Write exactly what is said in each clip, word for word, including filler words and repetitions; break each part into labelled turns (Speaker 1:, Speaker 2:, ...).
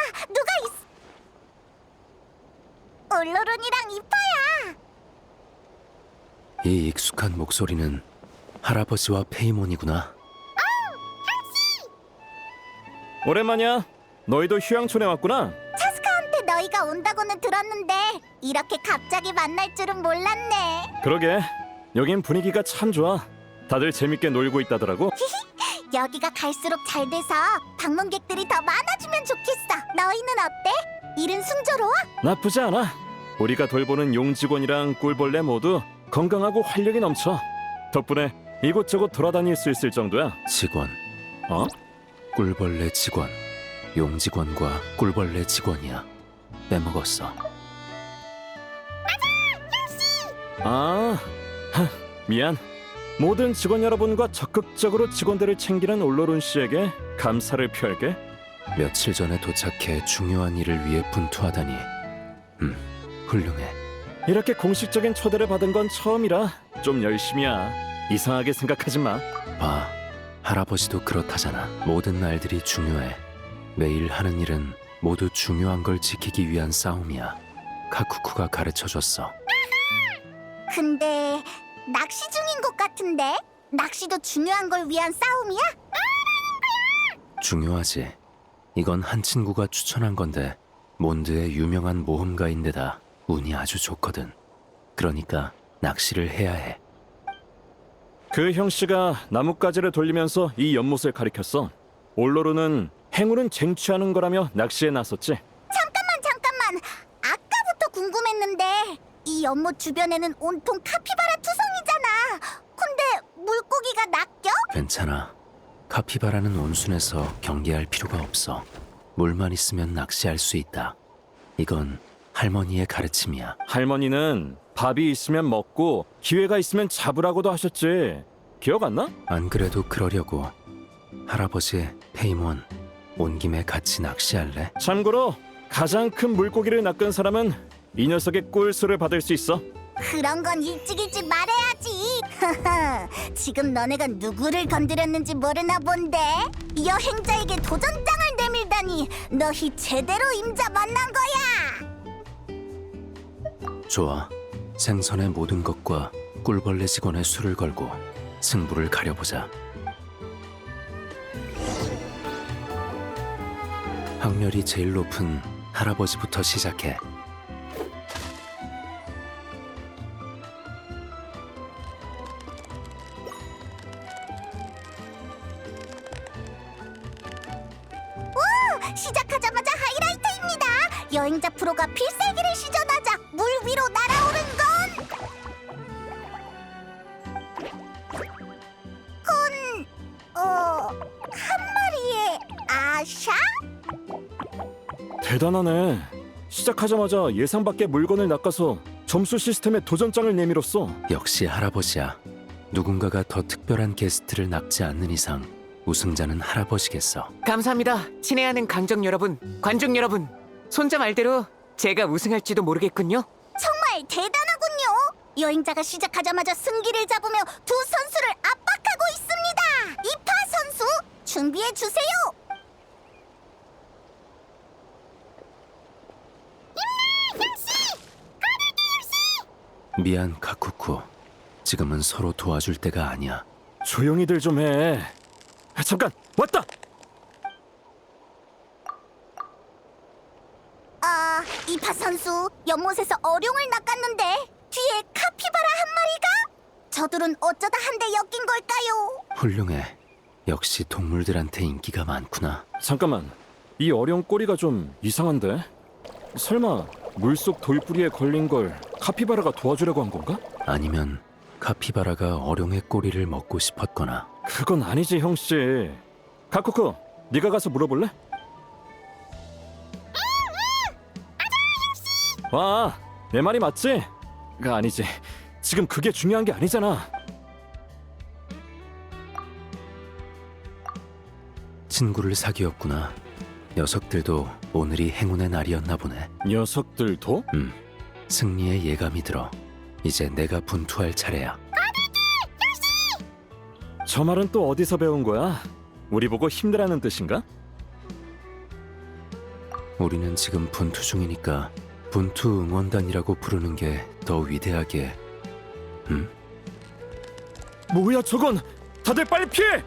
Speaker 1: 누가 있어? 올로론이랑 이파야.
Speaker 2: 이 익숙한 목소리는 할아버지와 페이몬이구나.
Speaker 3: 오랜만이야. 너희도 휴양촌에 왔구나.
Speaker 1: 차스카한테 너희가 온다고는 들었는데 이렇게 갑자기 만날 줄은 몰랐네.
Speaker 3: 그러게. 여긴 분위기가 참 좋아. 다들 재밌게 놀고 있다더라고.
Speaker 1: 여기가 갈수록 잘 돼서 방문객들이 더 많아지면 좋겠어. 너희는 어때? 일은 순조로워?
Speaker 3: 나쁘지 않아. 우리가 돌보는 용 직원이랑 꿀벌레 모두 건강하고 활력이 넘쳐. 덕분에 이곳저곳 돌아다닐 수 있을 정도야.
Speaker 2: 직원,
Speaker 3: 어?
Speaker 2: 꿀벌레 직원, 용 직원과 꿀벌레 직원이야. 빼먹었어.
Speaker 3: 아, 하, 미안. 모든 직원 여러분과 적극적으로 직원들을 챙기는 올로론 씨에게 감사를 표할게.
Speaker 2: 며칠 전에 도착해 중요한 일을 위해 분투하다니. 음, 훌륭해.
Speaker 3: 이렇게 공식적인 초대를 받은 건 처음이라 좀 열심히야. 이상하게 생각하지 마.
Speaker 2: 봐, 할아버지도 그렇다잖아. 모든 날들이 중요해. 매일 하는 일은 모두 중요한 걸 지키기 위한 싸움이야. 카쿠쿠가 가르쳐줬어.
Speaker 1: 근데 낚시 중인 것 같은데? 낚시도 중요한 걸 위한 싸움이야?
Speaker 2: 중요하지. 이건 한 친구가 추천한 건데 몬드의 유명한 모험가인데다 운이 아주 좋거든. 그러니까 낚시를 해야 해.
Speaker 3: 그 형씨가 나뭇가지를 돌리면서 이 연못을 가리켰어. 올로로는 행운은 쟁취하는 거라며 낚시에 나섰지.
Speaker 1: 잠깐만 잠깐만. 아까부터 궁금했는데 이 연못 주변에는 온통 카피바라 투성이잖아. 근데 물고기가 낚여?
Speaker 2: 괜찮아. 카피바라는 온순해서 경계할 필요가 없어. 물만 있으면 낚시할 수 있다. 이건 할머니의 가르침이야.
Speaker 3: 할머니는 밥이 있으면 먹고 기회가 있으면 잡으라고도 하셨지. 기억 안 나?
Speaker 2: 안 그래도 그러려고. 할아버지, 페이몬, 온 김에 같이 낚시할래?
Speaker 3: 참고로 가장 큰 물고기를 낚은 사람은 이 녀석의 꿀수를 받을 수 있어.
Speaker 1: 그런 건 일찍 일찍 말해야지. 지금 너네가 누구를 건드렸는지 모르나 본데 여행자에게 도전장을 내밀다니 너희 제대로 임자 만난 거야.
Speaker 2: 좋아. 생선의 모든 것과 꿀벌레 직원의 수를 걸고 승부를 가려보자. 확률이 제일 높은 할아버지부터 시작해.
Speaker 1: 시작하자마자 하이라이트입니다. 여행자 프로가 필살기를 시전하자 물 위로 날아오른 건 건... 어... 한 마리의 아샤?
Speaker 3: 대단하네. 시작하자마자 예상 밖의 물건을 낚아서 점수 시스템에 도전장을 내밀었어.
Speaker 2: 역시 할아버지야. 누군가가 더 특별한 게스트를 낚지 않는 이상 우승자는 할아버지겠어.
Speaker 4: 감사합니다. 친애하는 강정 여러분, 관중 여러분. 손자 말대로 제가 우승할지도 모르겠군요.
Speaker 1: 정말 대단하군요. 여행자가 시작하자마자 승기를 잡으며 두 선수를 압박하고 있습니다. 이파 선수 준비해 주세요.
Speaker 2: 미안, 카쿠쿠. 지금은 서로 도와줄 때가 아니야.
Speaker 3: 조용히들 좀 해. 아, 잠깐 왔다.
Speaker 1: 아, 이파 선수 연못에서 어룡을 낚았는데 뒤에 카피바라 한 마리가? 저들은 어쩌다 한데 엮인 걸까요?
Speaker 2: 훌륭해. 역시 동물들한테 인기가 많구나.
Speaker 3: 잠깐만. 이 어려운 꼬리가 좀 이상한데? 설마 물속 돌뿌리에 걸린 걸 카피바라가 도와주려고 한 건가?
Speaker 2: 아니면 카피바라가 어룡의 꼬리를 먹고 싶었거나.
Speaker 3: 그건 아니지, 형씨. 카쿠쿠, 네가 가서 물어볼래? 와, 내 말이 맞지? 가 아니지. 지금 그게 중요한 게 아니잖아.
Speaker 2: 친구를 사귀었구나. 녀석들도 오늘이 행운의 날이었나 보네.
Speaker 3: 녀석들도?
Speaker 2: 음, 승리의 예감이 들어. 이제 내가 분투할 차례야.
Speaker 3: 저 말은 또 어디서 배운 거야? 우리 보고 힘내라는 뜻인가?
Speaker 2: 우리는 지금 분투 중이니까 분투 응원단이라고 부르는 게 더 위대하게. 응?
Speaker 3: 뭐야 저건! 다들 빨리 피해!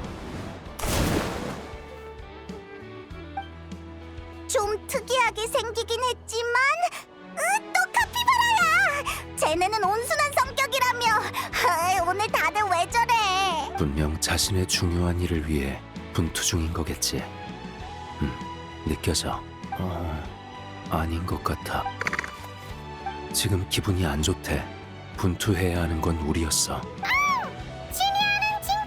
Speaker 1: 좀 특이하게 생기긴 했지만 으, 또 카피바라야! 쟤네는 온순한 성격이라며. 아, 오늘 다들 왜 저래?
Speaker 2: 분명 자신의 중요한 일을 위해 분투 중인 거겠지. 음, 느껴져. 어, 아닌 것 같아. 지금 기분이 안 좋대. 분투해야 하는 건 우리였어.
Speaker 1: 친애하는 친구!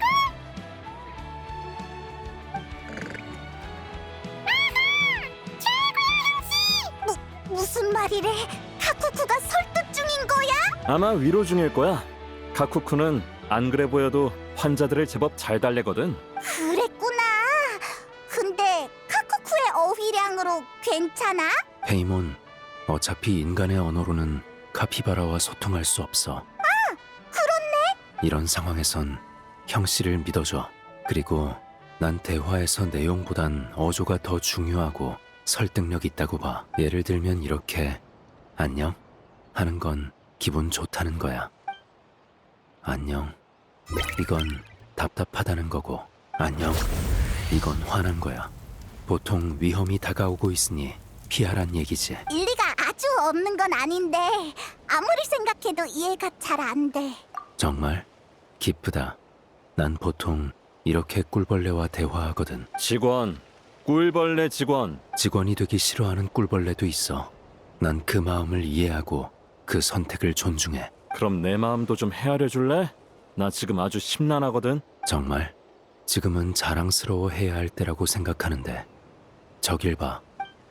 Speaker 1: 무, 무슨 말이래? 카쿠쿠가 설득 중인 거야?
Speaker 3: 아마 위로 중일 거야. 카쿠쿠는 안 그래 보여도 환자들을 제법 잘 달래거든.
Speaker 1: 그랬구나. 근데 카쿠쿠의 어휘량으로 괜찮아?
Speaker 2: 페이몬, 어차피 인간의 언어로는 카피바라와 소통할 수 없어.
Speaker 1: 그렇네.
Speaker 2: 이런 상황에선 형씨를 믿어줘. 그리고 난 대화에서 내용보단 어조가 더 중요하고 설득력 있다고 봐. 예를 들면 이렇게 안녕 하는 건 기분 좋다는 거야. 안녕, 이건 답답하다는 거고. 안녕, 이건 화난 거야. 보통 위험이 다가오고 있으니 피하란 얘기지.
Speaker 1: 일리가 아주 없는 건 아닌데 아무리 생각해도 이해가 잘 안 돼.
Speaker 2: 정말 기쁘다. 난 보통 이렇게 꿀벌레와 대화하거든.
Speaker 3: 직원, 꿀벌레 직원.
Speaker 2: 직원이 되기 싫어하는 꿀벌레도 있어. 난 그 마음을 이해하고 그 선택을 존중해.
Speaker 3: 그럼 내 마음도 좀 헤아려 줄래? 나 지금 아주 심란하거든.
Speaker 2: 정말 지금은 자랑스러워해야 할 때라고 생각하는데 저길 봐.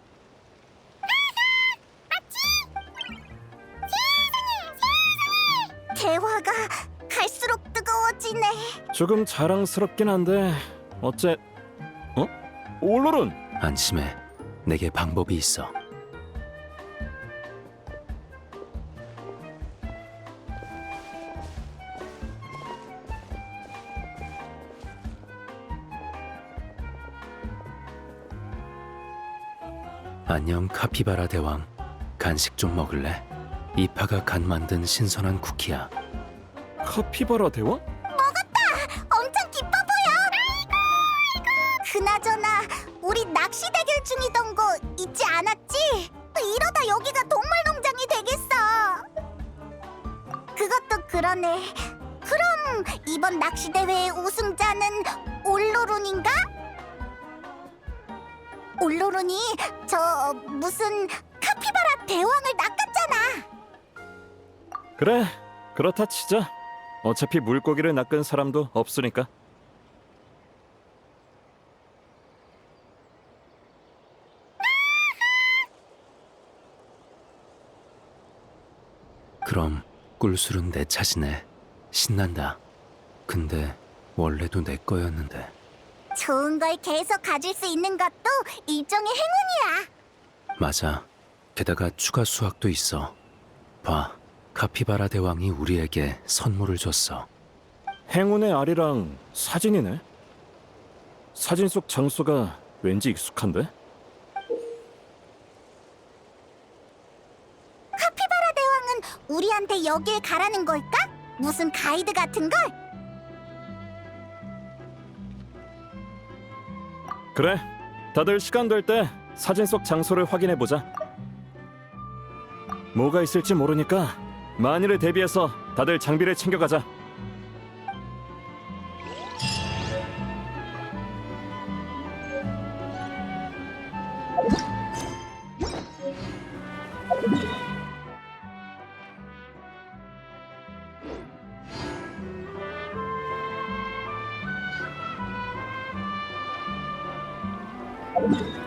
Speaker 1: 대화가 갈수록 뜨거워지네.
Speaker 3: 조금 자랑스럽긴 한데 어째... 어? 올로른!
Speaker 2: 안심해. 내게 방법이 있어. 안녕 카피바라 대왕. 간식 좀 먹을래? 이파가 간 만든 신선한 쿠키야.
Speaker 3: 카피바라 대왕?
Speaker 1: 엄청 기뻐 보여. 그나저나 우리 낚시 대결 중이던 거 잊지 않았지? 이러다 여기가 동물농장이 되겠어. 그것도 그러네. 그럼 이번 낚시 대회의 우승자는 올로룬인가? 올로룬이 저 무슨 카피바라 대왕을 낚았잖아.
Speaker 3: 그래, 그렇다 치자. 어차피 물고기를 낚은 사람도 없으니까.
Speaker 2: 그럼 꿀술은 내 차지네. 신난다. 근데 원래도 내 거였는데.
Speaker 1: 좋은 걸 계속 가질 수 있는 것도 일종의 행운이야.
Speaker 2: 맞아. 게다가 추가 수확도 있어. 봐, 카피바라 대왕이 우리에게 선물을 줬어.
Speaker 3: 행운의 알이랑 사진이네. 사진 속 장소가 왠지 익숙한데?
Speaker 1: 카피바라 대왕은 우리한테 여길 가라는 걸까? 무슨 가이드 같은 걸?
Speaker 3: 그래, 다들 시간 될 때 사진 속 장소를 확인해 보자. 뭐가 있을지 모르니까 만일을 대비해서 다들 장비를 챙겨가자.
Speaker 5: you